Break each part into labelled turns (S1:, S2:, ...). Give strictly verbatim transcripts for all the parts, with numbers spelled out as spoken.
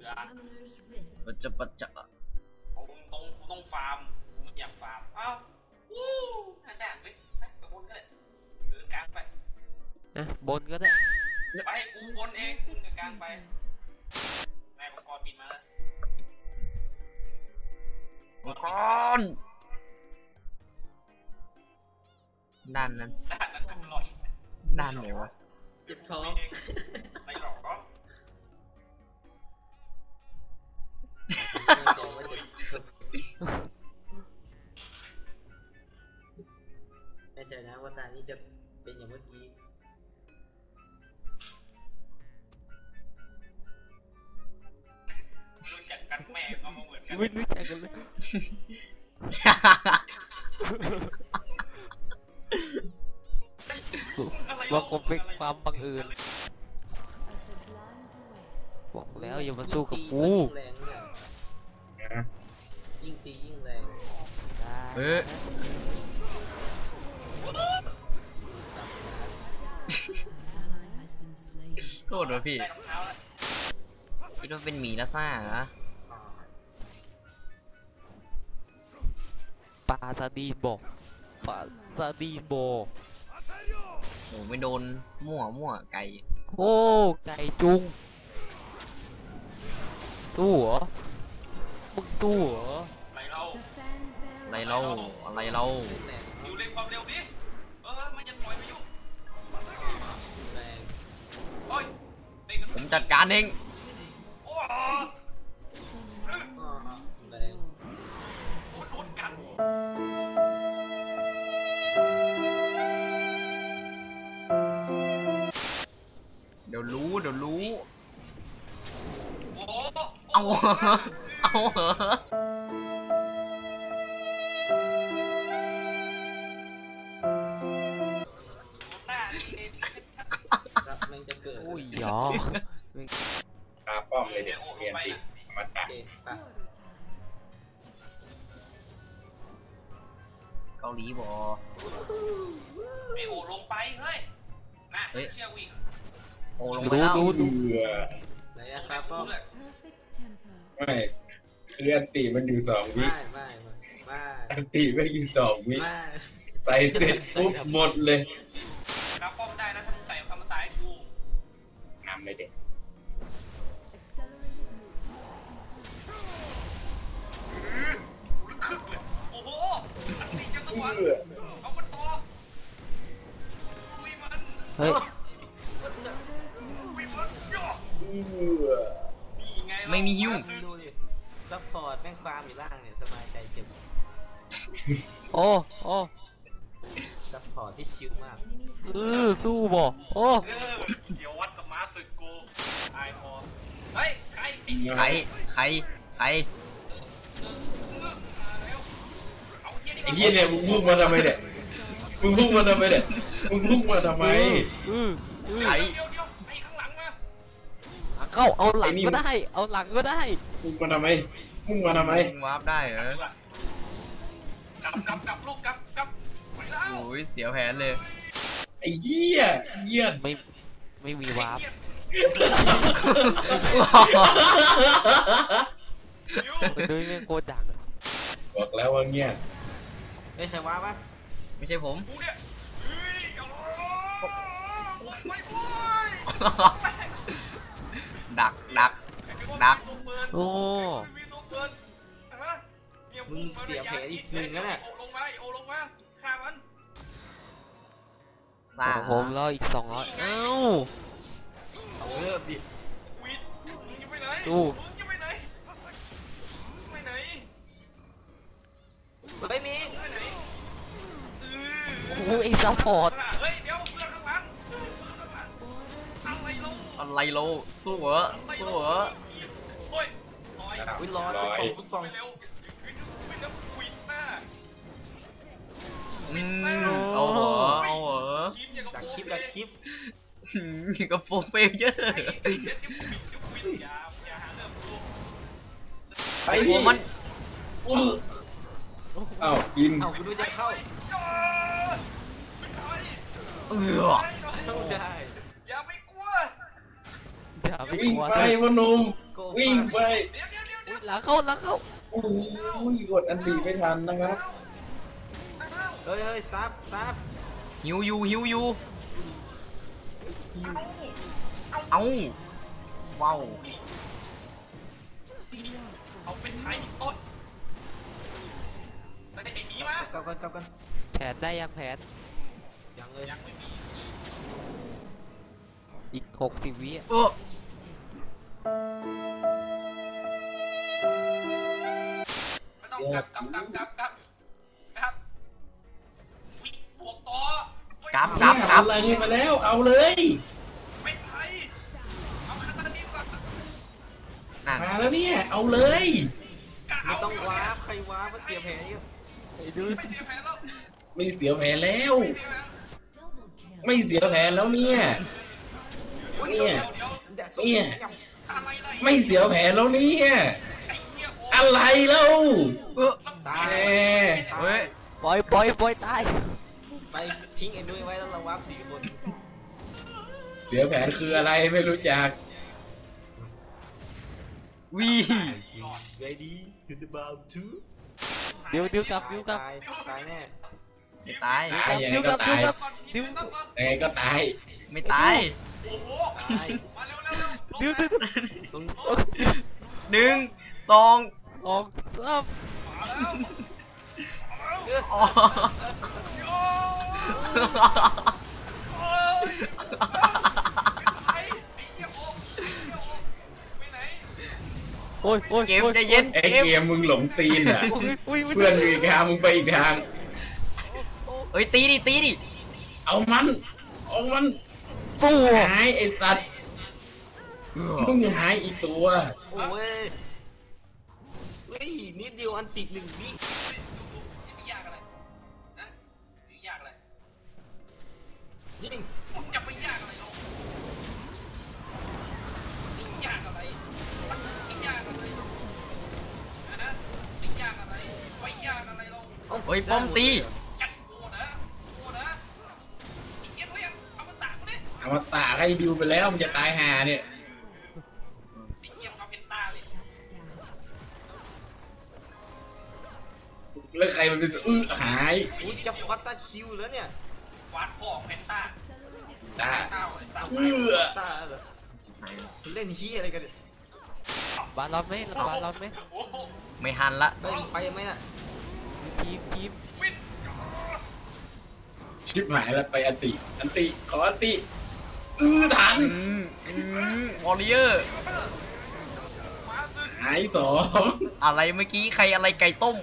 S1: ปัจจปัจจะ
S2: ตรงตรงกูต้องฟาร์มกูไม่อยากฟาร์มอ้าววู้น่าด่านไหมไปบนก็ได้เดินกลางไป
S3: นะบนก็ได้
S2: ไปกูบนเองมึงเดินกลางไปแม่มังกรบินมาแล้ว
S1: มังกรด้านนั้น
S2: ด่านนั้นอร่อย
S1: ด้านไหนวะ
S4: เจ็บท้อง
S2: ไปหลอกก็
S4: แน่ใจนะว่าตานี้จะเป็นอย่างเมื่อกี้
S2: รู้จักกันแม่ก็มาเหมือนกัน
S3: ไม่รู้จักกันเลยว่าคงเป็นความบังเอิญบอกแล้วอย่ามาสู้กับกู
S4: ยิ่งตียิ่งแรง
S1: เฮ้ยโทษด้วยพี่พี่ต้องเป็นหมีแล้วซ่าเหรอ
S3: ปลาซาดีนบอกปลาซาดีนบอก
S1: โอ้ไม่โดนมั่วมั่วไก่
S3: โอ้ไก่จุงสู้เหรอมึงสู้เหรอ
S2: ไรเรา
S1: ไรเราอะไรเรา
S2: อยู่เร่งความเร็วดิเออมันจะปล่อยไปยุ่ง
S4: แรง
S2: โอ้ย
S1: ผมจัดการเอง
S2: โอ้
S4: แรง
S2: โอ้โดนกัน
S1: เดี๋ยวรู้เดี๋ยวรู้
S2: โอ้
S1: เอาเอาเหรอ
S4: ซับมันจะเกิด
S3: โอ้ยหยอ
S5: ตาป้อมเลยเดี๋ยวเรียนติมาตัด
S1: เกาหลีบอ
S2: ไอโอลงไปเฮ้ยนะเชี่ยววิ่ง
S1: โอลงไปแล้ว
S3: ดูดู
S4: ไหนอะครับป้อม
S5: ไม่คืออันตีมันอยู่สองวิ
S4: ไม่ไม่ไม่
S5: อันตีไม่อยู่สองวิใส่เสร็จปุ๊บหมดเลย
S2: รับป้อมได้นะถ้ามึงใส่คำตายกู
S5: นำเลยเด็ก
S2: คึกเลยโอ้โหอันนี้จะตัวเอามันต่อลุยมัน
S3: เฮ้ย
S2: ลุยมันย่อ
S1: ไม่มีฮิ้ว
S4: ดูดิซัพพอร์ตแม่งฟาร์มอยู่ล่างเนี่ยสบายใจเจ็บ
S3: โอ้โอ้
S4: ซัพพอร์ตที่ชิลมาก
S3: เออสู้บ่โอ้
S2: เดี๋ยววัดกับม้าศึกกูไอพอเฮ้ยใคร
S1: ใครใครใคร
S5: ไอ้เหี้ยเนี่ยมึงพุ่งมาทำไมเนี่ยมึงพุ่งมาทำไมเนี่ยมึงพุ่งมาทำไม
S1: ใคร
S2: เดี๋ยวเดี๋ยวไอ้ข้างหลังมา
S3: เข้าเอาหลังก็ได้เอาหลังก็ได้
S5: พุ่งมาทำไมพุ่งมาทำไม
S1: วาร์ปได้เหรอก
S2: ลับกลับกลับลูกกลับกลับไปแล้ว
S1: โอ้ยเสียแผนเลย
S5: ไอ้เหี้ยเหี้ย
S3: ไม่ไม่มีวาร์ปด้วยไม่โคตรดัง
S5: บอกแล้วว่าเงี้ย
S4: เอ้ยใครวาร์ปะ
S1: ไม่ใช่ผมดักดักดัก
S3: โอ้
S4: มึงเสียแผลอีกหนึ่งแล้วเนี่ย
S2: โอลงมาโอลงมาฆ่ามัน
S1: สร้าง
S3: ผมรออีกสองร้อยเอ้า
S4: เอาเริ่มดิ
S2: วิทมึงจะไปไหน
S3: ดู
S2: มึงจะไปไหนไปไหน
S4: ไม่มี
S2: ไปไหน
S3: โอ้ยซัพพอร์ต
S2: เฮ้ยเดี๋ยวเพื่อนข้างหลังอะไรโล
S1: อะไรโลสู้เหรอสู้เหรอ
S2: โอ้ย
S4: วิลอดตุ๊กปอง
S2: เร็ววิลควินหน้า
S1: เอาเหรอเอาเหรอ
S4: ดักคลิปดักคลิป
S1: นี่ก็โปรเฟเยอร์
S5: ไอ้หัวมันอ้าวกิน
S4: เอาคุณดูจะเข้า
S1: เออ
S4: ได้
S2: อย่าไปกลัว
S3: อย่าไปกลัว
S5: ไปพนม
S4: โก้
S5: วิ่งไป
S2: เดี๋ยวเดี๋ยวเดี๋ยวเดี๋
S3: อุ๊
S2: ยวย
S3: หลังเข้าหลังเข้า
S5: โอ้ยกดอันตีไม่ทันนะครับ
S4: เฮ้ยเฮ้ยซับซับ
S1: หิวอยู่หิวอยู่
S2: เอา
S1: เอ้าว้าว
S2: เอาเป็นไทยโอ๊ยไปไอ้หมีมาก
S4: ลับกันกลับกัน
S3: แผนได้ยังแผน
S4: ยังเลย
S2: ยังไม่มี
S3: อีกหกสิบวิอะ
S1: เออ
S2: ไม่ต้องกลับกลับกลับกลับกลับนะครับวิบวกต่อก
S1: ลับกลับกลับ
S5: อะไรมาแล้วเอาเลย
S2: เป็นไทยเอาคาตานิวก่อน
S1: นั่น
S5: มาแล้วเนี่ยเอาเลย
S2: กะ
S4: ไม่
S2: เอา
S4: ต้องวาร์ปใครวาร์ปมาเสียแผลเยอะ
S3: ไอ้ดู
S2: ไม่เสียแผลแล้ว
S5: ไม่เสียแผลแล้ว
S2: ไม่เสียแผล
S5: ไม่เสียแผลแล้วเนี่ย
S4: อุ้ย
S5: เนี่
S4: เดี๋ยวย เดี๋ยวแดดส้ม
S5: เนี่ย
S4: ย
S2: อะไรล่ะ
S5: ไม่เสียแผลแล้วเนี่ย
S2: ไอ้เหี้ยโอ้
S5: อะไรแล้ว
S1: เออ
S4: ำตาย
S5: แหม
S1: เฮ้ย
S3: ปล่อยปล่อยปล่อยตาย
S4: ไปทิ้งเอ็นด้วยไว้แล้วเราวาร์ปสี่คน
S5: เสียแผลคืออะไรไม่รู้จัก
S1: วี
S4: ready to the bow to
S3: เดี๋ยวเดี๋ยวกลับเดี๋ยวกลับ
S4: ตายตายแน่
S1: ไม่ตาย
S5: ตายยังไง
S3: เดี๋ยวก
S5: ก็
S3: ลับเดี๋ยว
S5: ตาย
S3: กลับ
S2: ดิวก่อน
S5: ยังไงก็ตาย
S1: ไม่ตาย
S2: โอ้โห
S4: ตาย
S2: มาเร็วเร็วเร็ว
S3: เดี๋ยวเดี๋ยวเดี๋ยว
S4: ตรง
S1: หนึ่งสอง
S3: ออกสาม
S2: มาแล้ว
S1: อ๋อ
S2: โอ้โอ้ไอ้ไอ้เหี้ยโอ้ไอ้เหี้ยโอ้ไปไหน
S3: โอ้ยโอ้ย
S1: เกม
S3: โอ้ย
S1: ใจเย็น
S5: ไอ้
S1: เกม
S5: เกมมึงหลงตีนอ่ะ
S3: โอ้ยโอ้ยโย
S5: เพื่อนอยู่อีกทางมึงไปอีกทาง
S1: เอ้ยตีดิตีดิ
S5: เอามันเอามัน
S3: สู้อะ
S5: หายไอ้สัตว์มึงหายอีกตัว
S4: โอ้ยเฮ้ยนิดเดียวอันติดหนึ่งวิ
S2: ไม่ยากอะไรนะไม่ยากอะไร
S4: ยิง
S2: มึงจะไปยากอะไรลงไม่ยากอะไรไม่ยากอะไรนะไม่ยากอะไรไม่ยากอะไรลง
S1: เฮ้ยป้อมตี
S2: จัดโกนะโกนะอีกเย็นไว้ยังเอามาตากกูดิ
S5: เอามาตากให้ดิวไปแล้วมันจะตายหาเนี่ย
S2: ไอ้เหี้ยเอาเป็นตาเลย
S5: แล้วใครมันเป็นอื้อหาย
S4: อุ้ยจะฟัตตาคิวแล้วเนี่ย
S2: วาดพ่อเพนต้า
S5: ตา
S2: เต้าไอ้สาว
S5: เอื้อ
S4: ตาเหรอเล่นชี้ยอะไรกันเนี่ย
S3: บาลอนไหมบาลอนไหม
S2: โอ้โห
S1: ไม่หันละ
S4: ไปไปไหมน่ะ
S3: ทีมทีม
S2: ฟิต
S5: ชิบหายแล้วไปอันติ อันติขออันติอื้อทัน
S1: อืมอืมวอริเออร์
S2: มาสึก
S5: หายสอง
S1: อะไรเมื่อกี้ใครอะไรไก่ต้ม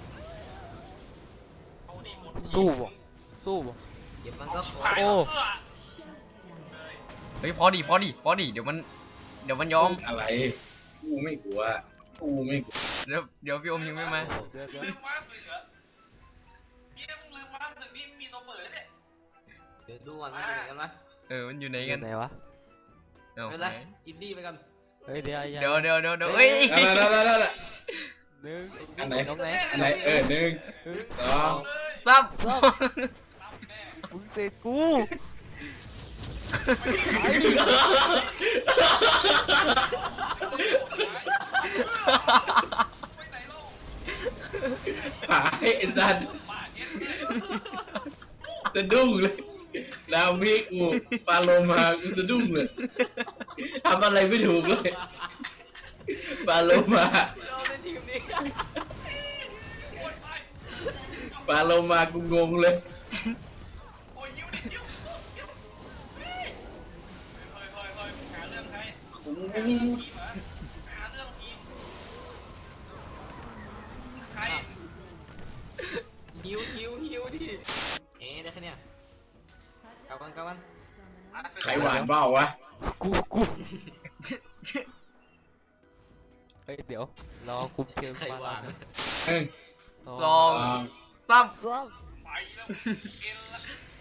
S2: เอาดิหมด
S3: สู้บ่สู้บ่
S4: เก็บมันก็ขอ
S2: หาย
S3: โอ้
S2: เอื้อ
S1: เฮ้ยพอดิพอดิพอดิเดี๋ยวมันเดี๋ยวมันยอม
S5: อะไรกูไม่กลัวกูไม่กลัว
S1: เดี๋ยวเดี๋ยวพี่อมยิงไม่มา
S3: เดี๋ยวเดี๋ยว
S2: ลืมมาสึกเหรอพี่ถ้ามึงลืมมาสึกนี่มีตัวเปิดแล้วเนี่ย
S4: เดี๋ยวดูก่อนมันอยู่ไหนกันวะ
S1: เออมันอยู่ไหน
S3: อ
S1: กั
S3: ยู่
S1: น
S3: ไหนวะ
S1: เอ้า
S4: ไม่เป็นไรอินดี้ไปกัน
S3: เฮ้ยเดี๋ยว
S1: เดี๋ยวเดี๋ยวเดี๋ยวเดี๋ยวเฮ้ย
S5: นั่นนั่นนั่นนั่น
S3: หนึ่ง
S5: อันไหน
S3: ตรงไหน
S5: อันไหนเออหนึ่งสอง
S2: เลย
S1: ซับ
S2: รับแน่
S3: มึงเสร็จกู
S2: ไปไหนเล่า
S5: หายไอ้สัตว์
S2: ป่าเอ็นเลย
S5: จะดุ้งเลยดาวมิกกูปาโลมากูจะดุ้งเลยทำอะไรไม่ถูกเลยปาโลมา
S4: เราในทีมนี้
S2: โอ้ยไป
S5: ปาโลมากูงงเลย
S2: โอ้ยยิ้วดิยิ้วยิ้วเฮ้ยเฮ้ยเฮ้ยเฮ้ยหาเรื่องใครหาเรื่องทีมเหรอหาเรื่องทีมใคร
S4: ฮิวฮิวฮิวดิเอ๊ะได้แค่เนี้ยกลับกันกลับกัน
S5: ใครหวานเปล่าวะ
S3: กูกูเฮ้ยเดี๋ยวรอคุมเกม
S4: ใคร
S3: บาล
S4: วา
S3: อน
S4: ง
S3: นะ
S5: หนึ่ง
S1: สอง
S5: สอง
S1: ซับ
S3: ซ้
S2: ไปแล้วเอ็นละ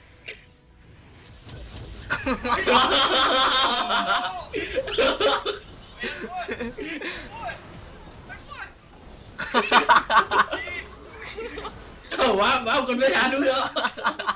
S2: เอ็นด้วยโอ้ยโอ้ยไปโอ้ย
S5: เข้าว้าว้ากันไม่ทันด้วยเหรอ
S2: ไ